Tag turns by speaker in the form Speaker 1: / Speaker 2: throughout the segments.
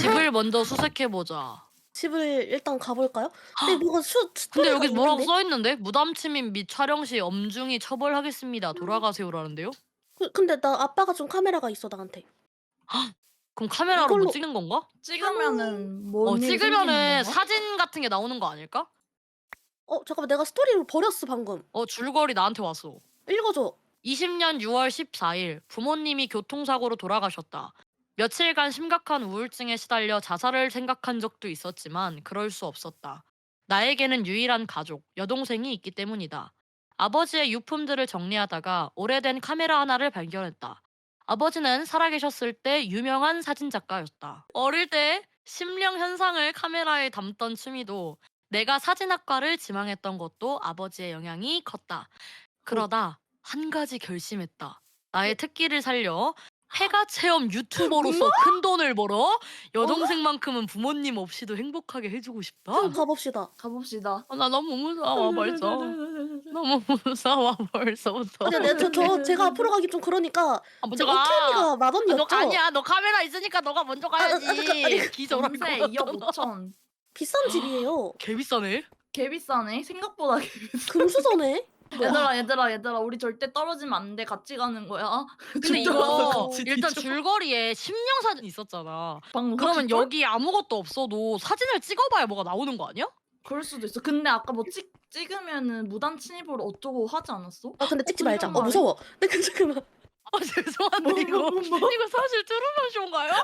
Speaker 1: 집을 먼저 수색해보자.
Speaker 2: 집을 일단 가볼까요? 근데 뭐가
Speaker 1: 근데
Speaker 2: 스토리가
Speaker 1: 여기 뭐라고
Speaker 2: 있는데?
Speaker 1: 써있는데? 무단 침입 및 촬영 시 엄중히 처벌하겠습니다. 돌아가세요라는데요?
Speaker 2: 근데 나 아빠가 준 카메라가 있어 나한테.
Speaker 1: 그럼 카메라로 뭐
Speaker 2: 이걸로
Speaker 1: 찍는 건가?
Speaker 3: 찍으면은 뭔 일이 생기는
Speaker 1: 찍으면은
Speaker 3: 건가?
Speaker 1: 사진 같은 게 나오는 거 아닐까?
Speaker 2: 잠깐만 내가 스토리를 버렸어 방금.
Speaker 1: 줄거리 나한테 왔어.
Speaker 2: 읽어줘.
Speaker 1: 20년 6월 14일 부모님이 교통사고로 돌아가셨다. 며칠간 심각한 우울증에 시달려 자살을 생각한 적도 있었지만 그럴 수 없었다. 나에게는 유일한 가족, 여동생이 있기 때문이다. 아버지의 유품들을 정리하다가 오래된 카메라 하나를 발견했다. 아버지는 살아계셨을 때 유명한 사진작가였다. 어릴 때 심령 현상을 카메라에 담던 취미도 내가 사진학과를 지망했던 것도 아버지의 영향이 컸다. 그러다 한 가지 결심했다. 나의 특기를 살려 폐가 체험 유튜버로서 큰 돈을 벌어 여동생만큼은 부모님 없이도 행복하게 해주고 싶다.
Speaker 2: 한번 가봅시다.
Speaker 3: 가봅시다.
Speaker 1: 나 너무 무서워 벌써. 너무 무서워 벌써부터.
Speaker 2: 근데 제가 앞으로 가기 좀 그러니까
Speaker 1: 먼저
Speaker 2: 저
Speaker 1: 가.
Speaker 2: 오케이가 마법이었죠?
Speaker 1: 아니야. 너 카메라 있으니까 너가 먼저 가야지.
Speaker 2: 아니,
Speaker 1: 기절할 것
Speaker 3: 전세
Speaker 1: 같아.
Speaker 3: 2억 5천.
Speaker 2: 비싼 집이에요.
Speaker 1: 개 비싸네.
Speaker 3: 개 비싸네. 생각보다 개 비싸.
Speaker 2: 금수저네.
Speaker 3: 얘들아 우리 절대 떨어지면 안 돼. 같이 가는 거야.
Speaker 1: 근데 이거 일단 줄거리에 심령 사진 있었잖아.
Speaker 3: 방금
Speaker 1: 그러면
Speaker 3: 확실걸?
Speaker 1: 여기 아무것도 없어도 사진을 찍어봐야 뭐가 나오는 거 아니야?
Speaker 3: 그럴 수도 있어. 근데 아까 뭐 찍으면은 무단 침입으로 어쩌고 하지 않았어?
Speaker 2: 근데 찍지 말자.
Speaker 3: 이런 말해?
Speaker 2: 무서워. 근데 잠깐만.
Speaker 1: 죄송한데 이거 사실 트루먼 쇼인가요?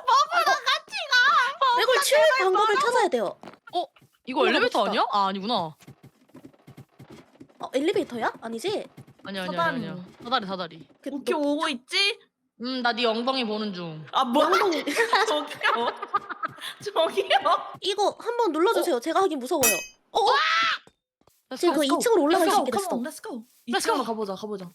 Speaker 2: 이걸 치울 방법을 찾아야 돼요.
Speaker 1: 이거 엘리베이터
Speaker 2: 갑시다.
Speaker 1: 아니야? 아니구나.
Speaker 2: 엘리베이터야? 아니지?
Speaker 1: 아니야.
Speaker 3: 사다리.
Speaker 1: 사다리.
Speaker 3: 오케이 오고 있지?
Speaker 1: 나 네 엉덩이 보는 중.
Speaker 3: 아 뭐?
Speaker 2: 양동이.
Speaker 3: 저기요.
Speaker 2: 이거 한번 눌러주세요. 제가 하긴 무서워요. 지금 그
Speaker 3: Let's go.
Speaker 2: 2층으로 올라갈 수
Speaker 3: Let's
Speaker 2: 있게
Speaker 3: go,
Speaker 2: 됐어.
Speaker 3: come on, Let's go.
Speaker 1: Let's go.
Speaker 3: 2층으로 가보자.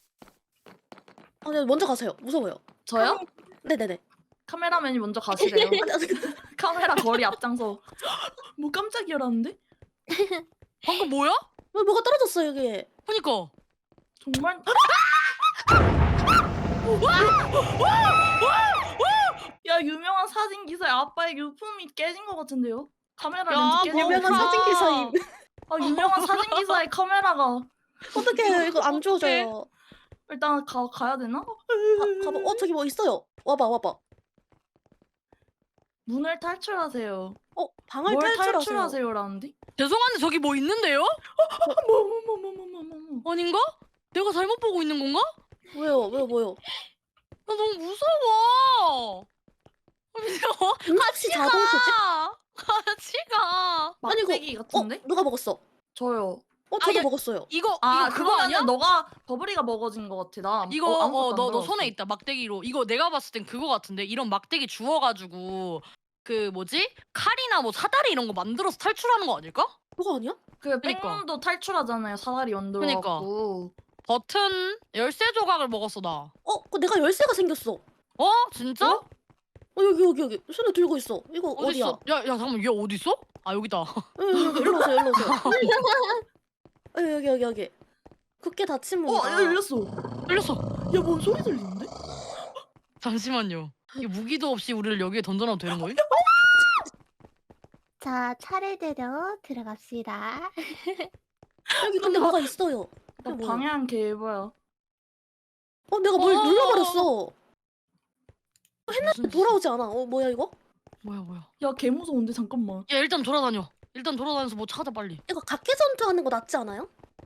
Speaker 2: 네, 먼저 가세요. 무서워요.
Speaker 3: 저요?
Speaker 2: 네네네.
Speaker 3: 카메라맨이 먼저 가시래요. 카메라 거리 앞장서. 뭐 깜짝이야라는데?
Speaker 1: 방금 뭐야?
Speaker 2: 뭐가 떨어졌어 여기.
Speaker 1: 그니까.
Speaker 3: 정말? 야 유명한 사진 기사의 아빠의 유품이 깨진 것 같은데요? 카메라
Speaker 1: 야,
Speaker 3: 렌즈 깨진 것
Speaker 2: 유명한
Speaker 3: 같은데?
Speaker 2: 사진 기사임.
Speaker 3: 유명한 사진 기사의 카메라가
Speaker 2: 어떡해 이거 안 주워져요.
Speaker 3: 일단 가야 되나?
Speaker 2: 가봐. 저기 뭐 있어요. 와봐.
Speaker 3: 문을 탈출하세요.
Speaker 2: 방을
Speaker 3: 뭘
Speaker 2: 탈출하세요.
Speaker 3: 탈출하세요라는데?
Speaker 1: 죄송한데 저기 뭐 있는데요?
Speaker 3: 뭐뭐뭐뭐뭐뭐뭐
Speaker 1: 아닌가? 내가 잘못 보고 있는 건가?
Speaker 2: 뭐요?
Speaker 1: 나 너무 무서워. 무서워.
Speaker 2: 응급시 자동 조치?
Speaker 1: 같이 가.
Speaker 2: 아니, 이거-
Speaker 3: 막대기 같은데?
Speaker 2: 누가 먹었어?
Speaker 3: 저요.
Speaker 2: 저도
Speaker 1: 야,
Speaker 2: 먹었어요.
Speaker 1: 이거 그거
Speaker 3: 그거는
Speaker 1: 아니야?
Speaker 3: 너가 버블이가 먹어진 것 같아. 나
Speaker 1: 이거
Speaker 3: 아무것도 안
Speaker 1: 너
Speaker 3: 들었어.
Speaker 1: 손에 있다 막대기로. 이거 내가 봤을 땐 그거 같은데. 이런 막대기 주워가지고 그 뭐지? 칼이나 뭐 사다리 이런 거 만들어서 탈출하는 거 아닐까?
Speaker 2: 그거 아니야?
Speaker 3: 그
Speaker 1: 그니까.
Speaker 3: 백문도 탈출하잖아요. 사다리 만들어갖고.
Speaker 1: 버튼 열쇠 조각을 먹었어 나.
Speaker 2: 그거 내가 열쇠가 생겼어.
Speaker 1: 진짜?
Speaker 2: 여기 손에 들고 있어. 이거
Speaker 1: 어디
Speaker 2: 어디야?
Speaker 1: 있어? 야 잠깐만 얘 어디 있어? 여기다.
Speaker 2: 여기 일로 오세요. 여기. 굳게 닫힌 문이다.
Speaker 3: 열렸어.
Speaker 1: 열렸어.
Speaker 3: 야, 뭔 소리 들리는데?
Speaker 1: 잠시만요. 이 무기도 없이 우리를 여기에 던져놔도 되는 거예요?
Speaker 4: 자, 차례대로 들어갑시다.
Speaker 2: 여기 근데 뭐가 있어요.
Speaker 3: 나
Speaker 2: 뭐야?
Speaker 3: 방향 개봐요.
Speaker 2: 내가 뭘 눌러버렸어.
Speaker 1: 무슨
Speaker 2: 돌아오지 않아. 뭐야 이거?
Speaker 1: 뭐야?
Speaker 3: 야, 개 무서운데 잠깐만.
Speaker 1: 야 일단 돌아다녀. 일단 돌아다녀서 뭐 찾아 빨리.
Speaker 2: 이거 각계 전투하는 거 낫지 않아요?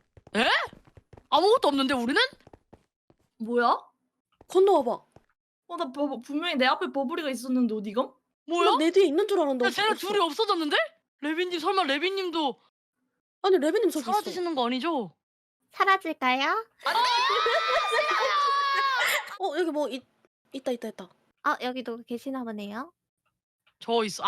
Speaker 1: 아무것도 없는데 우리는?
Speaker 3: 뭐야?
Speaker 2: 건너와봐.
Speaker 3: 나 분명히 내 앞에 버블이가 있었는데 어디가?
Speaker 1: 뭐야?
Speaker 2: 내 뒤에 있는 줄 알았는데.
Speaker 1: 야 쟤네
Speaker 2: 없어.
Speaker 1: 둘이 없어졌는데? 레빈님 설마 레빈님도
Speaker 2: 아니 레빈님 저기 있어.
Speaker 1: 사라지시는 거 아니죠?
Speaker 4: 사라질까요?
Speaker 2: 여기 뭐 있다.
Speaker 4: 여기도 계시나 보네요.
Speaker 1: 저 있어.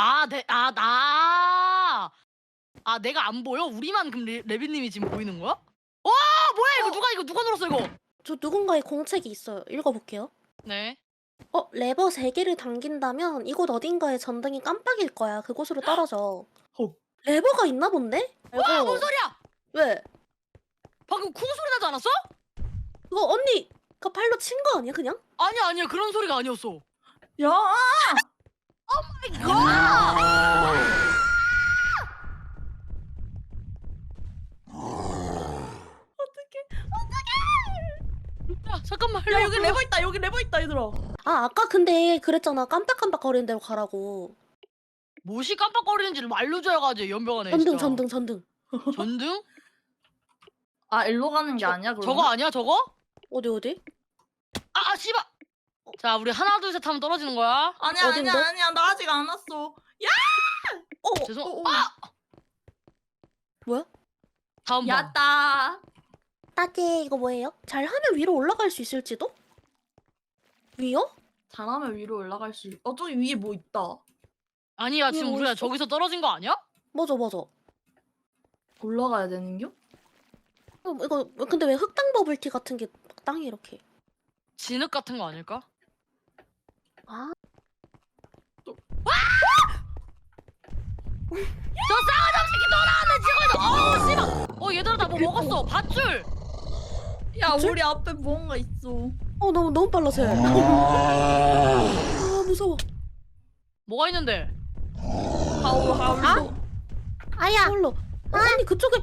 Speaker 1: 내가 안 보여? 우리만 그럼 레빈님이 지금 보이는 거야? 뭐야 이거 누가 눌렀어 이거?
Speaker 2: 저 누군가의 공책이 있어요. 읽어볼게요.
Speaker 1: 네.
Speaker 2: 레버 3개를 당긴다면 이곳 어딘가에 전등이 깜빡일 거야. 그곳으로 떨어져. 레버가 있나 본데?
Speaker 1: 뭔 소리야?
Speaker 2: 왜?
Speaker 1: 방금 쿵 소리 나지 않았어?
Speaker 2: 그거 언니가 팔로 친 거 아니야 그냥?
Speaker 1: 아니야 그런 소리가 아니었어.
Speaker 3: 야!
Speaker 1: 이거
Speaker 3: 들어.
Speaker 2: 아 아까 근데 그랬잖아. 깜빡깜빡 거리는 대로 가라고.
Speaker 1: 무엇이 깜빡거리는지를 알려줘야지 연병하네
Speaker 2: 전등
Speaker 1: 진짜.
Speaker 2: 전등 전등.
Speaker 1: 전등?
Speaker 3: 아 일로 가는 게 아니야 그러면?
Speaker 1: 저거 아니야 저거?
Speaker 2: 어디?
Speaker 1: 아 씨발. 자 우리 하나 둘 셋 하면 떨어지는 거야.
Speaker 3: 아니야
Speaker 2: 어딘데?
Speaker 3: 아니야 나 아직 안 왔어.
Speaker 1: 죄송.
Speaker 3: 아!
Speaker 2: 뭐야?
Speaker 1: 다음 방.
Speaker 3: 야따.
Speaker 2: 따제 이거 뭐예요? 잘하면 위로 올라갈 수 있을지도? 위요?
Speaker 3: 잘하면 위로 올라갈 수. 저기 위에 뭐 있다.
Speaker 1: 아니야
Speaker 2: 이게
Speaker 1: 지금
Speaker 2: 뭐
Speaker 1: 우리가
Speaker 2: 있어?
Speaker 1: 저기서 떨어진 거 아니야?
Speaker 2: 맞아.
Speaker 3: 올라가야 되는겨?
Speaker 2: 이거 근데 왜 흑당 버블티 같은 게 땅에 이렇게?
Speaker 1: 진흙 같은 거 아닐까?
Speaker 2: 아
Speaker 1: 저 싸가지 새끼 돌아왔네 지금. 얘들아 나 뭐 먹었어. 밧줄.
Speaker 3: 야
Speaker 2: 밧줄?
Speaker 3: 우리 앞에 뭔가 있어.
Speaker 2: 너무 빨라서. 아 무서워.
Speaker 1: 뭐가 있는데?
Speaker 3: 하울로.
Speaker 4: 아야.
Speaker 2: 홀로. 언니 그쪽에.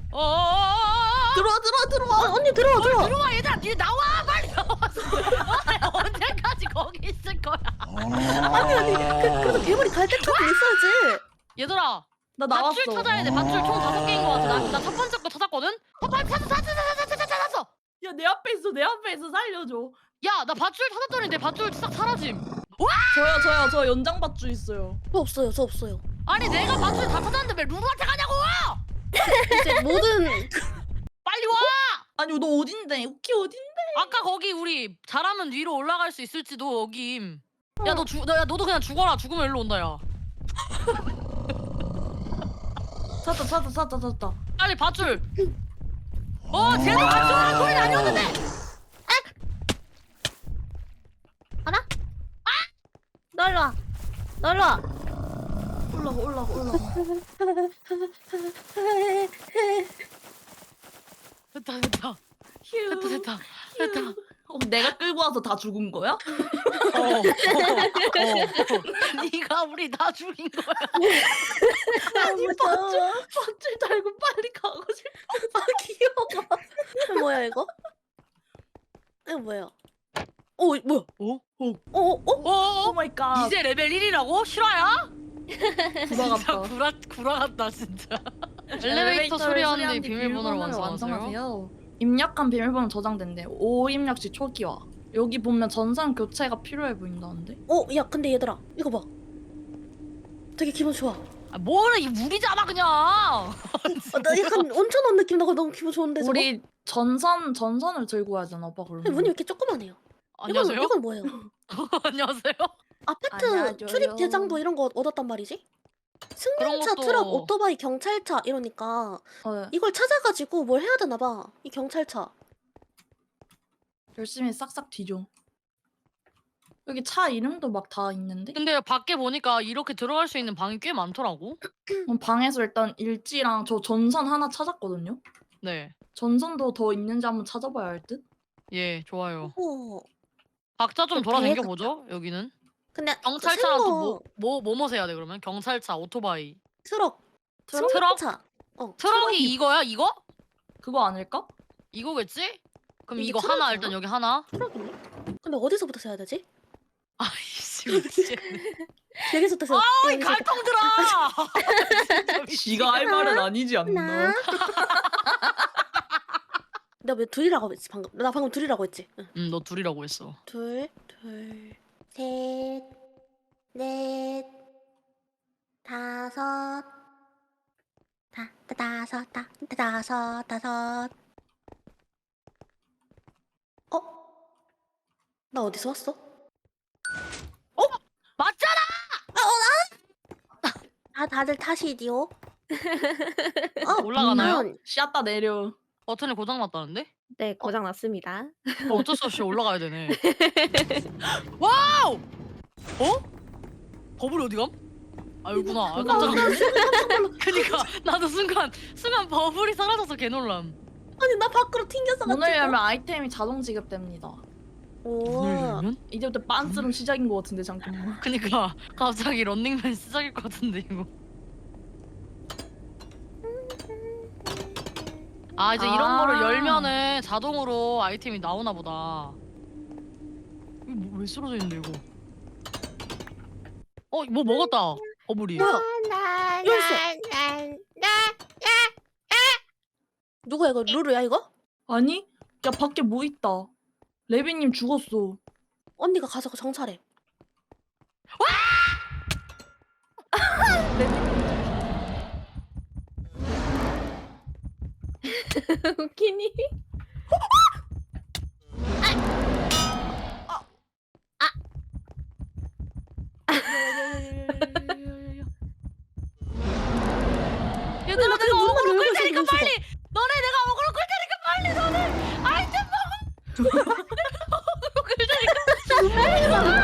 Speaker 3: 들어와.
Speaker 2: 언니 들어와.
Speaker 1: 들어와 얘들아 니네 나와 빨리 나와. 언제까지 거기 있을 거야?
Speaker 2: 아니 그래서 괴물이 갈 때까지 있어야지.
Speaker 1: 얘들아
Speaker 3: 나 나왔어.
Speaker 1: 밧줄 찾아야 돼. 밧줄 총 5개인 거 같아. 나 첫 번째 거 찾았거든? 빨리 찾았어.
Speaker 3: 야 내 앞에 있어 살려줘.
Speaker 1: 야 나 밧줄 찾았더니 내 밧줄 싹 사라짐.
Speaker 3: 저요 저 연장 밧줄 있어요.
Speaker 2: 저 없어요.
Speaker 1: 아니 내가 밧줄 다 찾았는데 왜 루루한테 가냐고.
Speaker 2: 이제 모든
Speaker 1: 빨리 와.
Speaker 3: 아니 너 어딘데? 우키 어딘데?
Speaker 1: 아까 거기 우리 잘하면 위로 올라갈 수 있을지도 여김. 야 너도 그냥 죽어라. 죽으면 일로 온다 야.
Speaker 3: 찾았다.
Speaker 1: 빨리 밧줄. 쟤도 밧줄이라는 소리는 아니었는데.
Speaker 4: 놀러 와.
Speaker 3: 올라가.
Speaker 1: 됐다.
Speaker 3: 휴.
Speaker 1: 됐다.
Speaker 3: 내가 끌고 와서 다 죽은 거야?
Speaker 1: 네가 우리 다 죽인 거야.
Speaker 3: 아니 밧줄 달고 빨리 가고 싶어.
Speaker 2: 아 귀여워. 뭐야 이거? 이거 뭐야? 뭐야?
Speaker 3: 오 마이 갓.
Speaker 1: 이제 레벨 1이라고? 실화야?
Speaker 3: 구라같다.
Speaker 1: 구라같다 진짜. 엘리베이터 수리하는 뒤 비밀번호를 완성하세요.
Speaker 3: 입력한 비밀번호 저장된대. 5입력 시 초기화. 여기 보면 전산 교체가 필요해 보인다는데?
Speaker 2: 야 근데 얘들아 이거 봐. 되게 기분 좋아.
Speaker 1: 뭐래 이 물이잖아 그냥.
Speaker 2: 나 약간 온천 온 느낌 나고 너무 기분 좋은데 저거?
Speaker 3: 우리 전선을 들고 와야 되나 봐
Speaker 2: 아니,
Speaker 3: 그러면.
Speaker 2: 문이 왜 이렇게 조그만해요?
Speaker 1: 안녕하세요.
Speaker 2: 이건 뭐예요?
Speaker 1: 안녕하세요.
Speaker 2: 아파트
Speaker 3: 안녕하세요.
Speaker 2: 출입 대장도 이런 거 얻었단 말이지? 승용차,
Speaker 1: 그런 것도-
Speaker 2: 트럭, 오토바이, 경찰차 이러니까 이걸 찾아가지고 뭘 해야 되나 봐. 이 경찰차.
Speaker 3: 열심히 싹싹 뒤져. 여기 차 이름도 막 다 있는데?
Speaker 1: 근데 밖에 보니까 이렇게 들어갈 수 있는 방이 꽤 많더라고.
Speaker 3: 방에서 일단 일지랑 저 전선 하나 찾았거든요?
Speaker 1: 네.
Speaker 3: 전선도 더 있는지 한번 찾아봐야 할 듯?
Speaker 1: 예, 좋아요.
Speaker 2: 어.
Speaker 1: 각자 좀
Speaker 2: 그
Speaker 1: 돌아다녀
Speaker 2: 배가-
Speaker 1: 보죠. 여기는
Speaker 2: 근데
Speaker 1: 경찰차랑
Speaker 2: 생거
Speaker 1: 또뭐 해야 돼 그러면? 경찰차, 오토바이.
Speaker 2: 트럭,
Speaker 1: 트럭?
Speaker 2: 승용차.
Speaker 1: 트럭이 이거야? 이거?
Speaker 3: 그거 아닐까?
Speaker 1: 이거겠지? 그럼
Speaker 2: 이게
Speaker 1: 이거 하나
Speaker 2: 트럭이야?
Speaker 1: 일단 여기 하나.
Speaker 2: 트럭이네. 근데 어디서부터 세야 되지?
Speaker 1: 아이씨 미치겠네.
Speaker 2: 여기서부터 세야.
Speaker 1: 어이 갈통 들어.
Speaker 3: 지가 할 말은 아니지
Speaker 2: 나. 내가 왜 둘이라고 했지 방금? 나 방금 둘이라고 했지. 응.
Speaker 1: 너 둘이라고 했어.
Speaker 2: 둘, 셋, 넷, 다섯, 다섯. 나 어디서 왔어?
Speaker 1: 맞잖아.
Speaker 2: 다들 타시디오.
Speaker 1: 올라가나요?
Speaker 3: 씨앗다 내려.
Speaker 1: 버튼이 고장 났다는데?
Speaker 4: 네, 고장 났습니다.
Speaker 1: 어쩔 수 없이 올라가야 되네. 와우! 버블이 어디 감? 아 여기구나. 아, 깜짝 놀랐네. 그니까 나도 순간 버블이 사라져서 개놀람.
Speaker 2: 아니 나 밖으로 튕겼어.
Speaker 3: 문을 열면 아이템이 자동 지급됩니다.
Speaker 1: 문을 열면?
Speaker 3: 이제부터 빤스름 시작인 것 같은데 잠깐만.
Speaker 1: 그니까 갑자기 런닝맨 시작일 것 같은데 이거. 이제 이런 거를 열면은 자동으로 아이템이 나오나 보다. 이거 왜 쓰러져 있는데 이거? 뭐 먹었다. 어부리.
Speaker 2: 뭐야? 열쇠. 누구야 이거? 루루야 이거?
Speaker 3: 아니? 야 밖에 뭐 있다. 레비님 죽었어.
Speaker 2: 언니가 가서 정찰해.
Speaker 4: 웃기니?
Speaker 1: 얘들아
Speaker 2: 나
Speaker 1: 내가
Speaker 2: 그냥
Speaker 1: 어그로
Speaker 2: 눈만
Speaker 1: 끌
Speaker 2: 열고
Speaker 1: 테니까
Speaker 2: 있어,
Speaker 1: 빨리. 너네 내가 어그로 끌 테니까 빨리 너네 아이템 먹어. 어그로 끌 테니까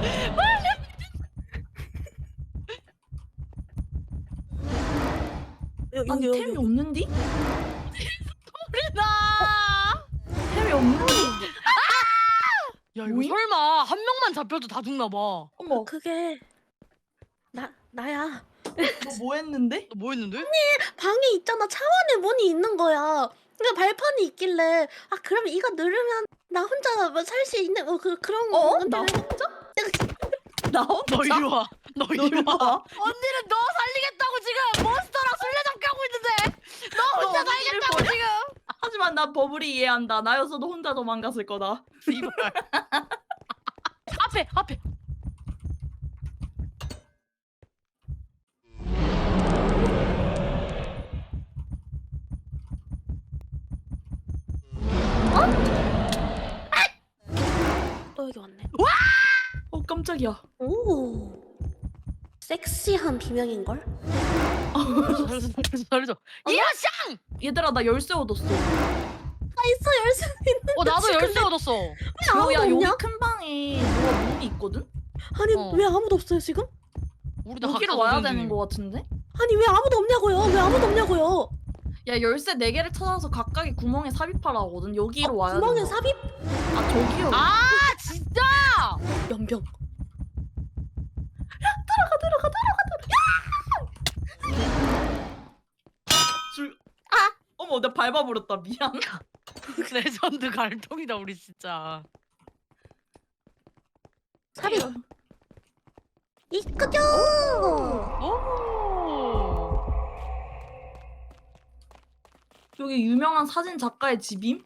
Speaker 3: 아니 템이 없는디?
Speaker 1: 우리 나.
Speaker 3: 템이 없는디?
Speaker 1: 야 이거
Speaker 3: 뭐임?
Speaker 1: 설마 한 명만 잡혀도 다 죽나 봐.
Speaker 3: 어머
Speaker 2: 그게 나야.
Speaker 3: 너 뭐 했는데?
Speaker 1: 너 뭐 했는데?
Speaker 2: 방에 있잖아. 차원에 문이 있는 거야. 그러니까 발판이 있길래 그러면 이거 누르면 나 혼자 살 수 있는 그런 거.
Speaker 3: 나 혼자? 나 혼자?
Speaker 1: 너 이리 와. 너
Speaker 3: 너
Speaker 1: 이리
Speaker 3: 이리
Speaker 1: 와.
Speaker 3: 와.
Speaker 1: 언니는 너 살리겠다고 지금 몬스터랑 술래잡기 하고 있는데 너 혼자
Speaker 3: 언니를
Speaker 1: 살겠다고
Speaker 3: 버려.
Speaker 1: 지금.
Speaker 3: 하지만 난 버블이 이해한다. 나였어도 혼자 도망갔을 거다.
Speaker 1: 이발. 앞에.
Speaker 2: 또 여기 왔네.
Speaker 3: 깜짝이야.
Speaker 2: 오. 섹시한 비명인걸?
Speaker 1: 잘해줘. 이야샹!
Speaker 3: 얘들아 나 열쇠 얻었어.
Speaker 2: 있어 열쇠 있는.
Speaker 1: 나도 열쇠 얻었어.
Speaker 2: 아무도
Speaker 3: 야 여기
Speaker 2: 없냐?
Speaker 3: 큰 방에 뭐가 문이 있거든?
Speaker 2: 아니
Speaker 1: 어.
Speaker 2: 왜 아무도 없어요 지금?
Speaker 1: 우리 다
Speaker 3: 여기로
Speaker 1: 각자
Speaker 3: 와야
Speaker 1: 운전
Speaker 3: 되는
Speaker 1: 중임.
Speaker 3: 거 같은데?
Speaker 2: 아니 왜 아무도 없냐고요? 왜 아무도 없냐고요?
Speaker 3: 야 열쇠 4개를 찾아서 각각의 구멍에 삽입하라 하거든. 여기로 와야
Speaker 2: 구멍에
Speaker 3: 된다.
Speaker 2: 삽입
Speaker 3: 아 저기요.
Speaker 1: 아 진짜?
Speaker 2: 연병.
Speaker 3: 어머 내가 밟아버렸다. 미안.
Speaker 1: 레전드 갈통이다 우리 진짜.
Speaker 2: 삽입. 이끄죠.
Speaker 1: 오.
Speaker 3: 여기 유명한 사진 작가의 집임?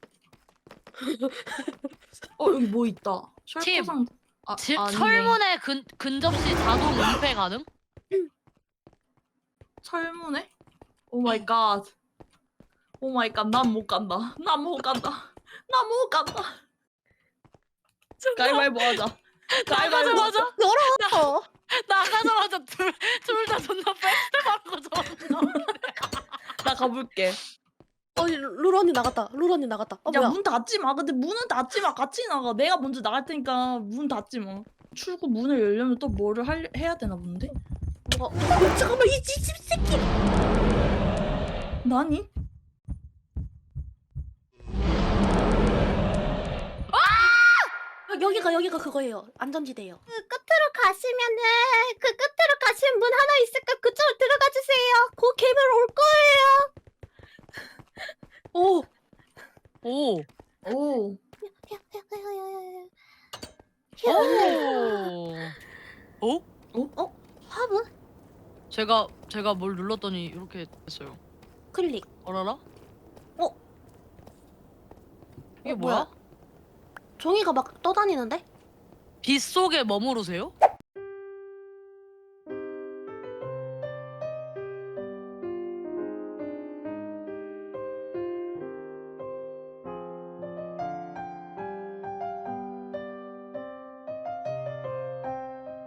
Speaker 3: 여기 뭐 있다.
Speaker 1: 팁.
Speaker 3: 셜코상.
Speaker 1: 집
Speaker 3: 아니네.
Speaker 1: 철문에 근접시 자동 은폐 가능?
Speaker 3: 철문에? 오 마이 갓. 오 마이 갓. 난 못 간다. 난 못 간다. 난 못 간다. 가위바위보 하자. 가위바위보 하자.
Speaker 2: 열어.
Speaker 1: 나가자마자 둘 다 존나 페스티벌하고 저러는
Speaker 3: 나 가볼게.
Speaker 2: 루루 언니 나갔다. 루루 언니 나갔다.
Speaker 3: 야
Speaker 2: 뭐야?
Speaker 3: 문 닫지 마. 근데 문은 닫지 마. 같이 나가. 내가 먼저 나갈 테니까 문 닫지 마. 출구 문을 열려면 또 뭐를 해야 되나 본데?
Speaker 2: 잠깐만 이 집 새끼.
Speaker 3: 나니?
Speaker 2: 여기가 그거예요. 안전지대예요.
Speaker 4: 그 끝으로 가시면은 그 끝으로 가시면 문 하나 있을까 그쪽으로 들어가 주세요. 그 개별 올 거예요.
Speaker 1: 오.
Speaker 3: 오.
Speaker 1: 오.
Speaker 2: 화분
Speaker 1: 제가 뭘 눌렀더니 이렇게 됐어요.
Speaker 2: 클릭.
Speaker 1: 어라라? 이게
Speaker 2: 어,
Speaker 1: 뭐야?
Speaker 2: 종이가 막 떠다니는데?
Speaker 1: 빛 속에 머무르세요?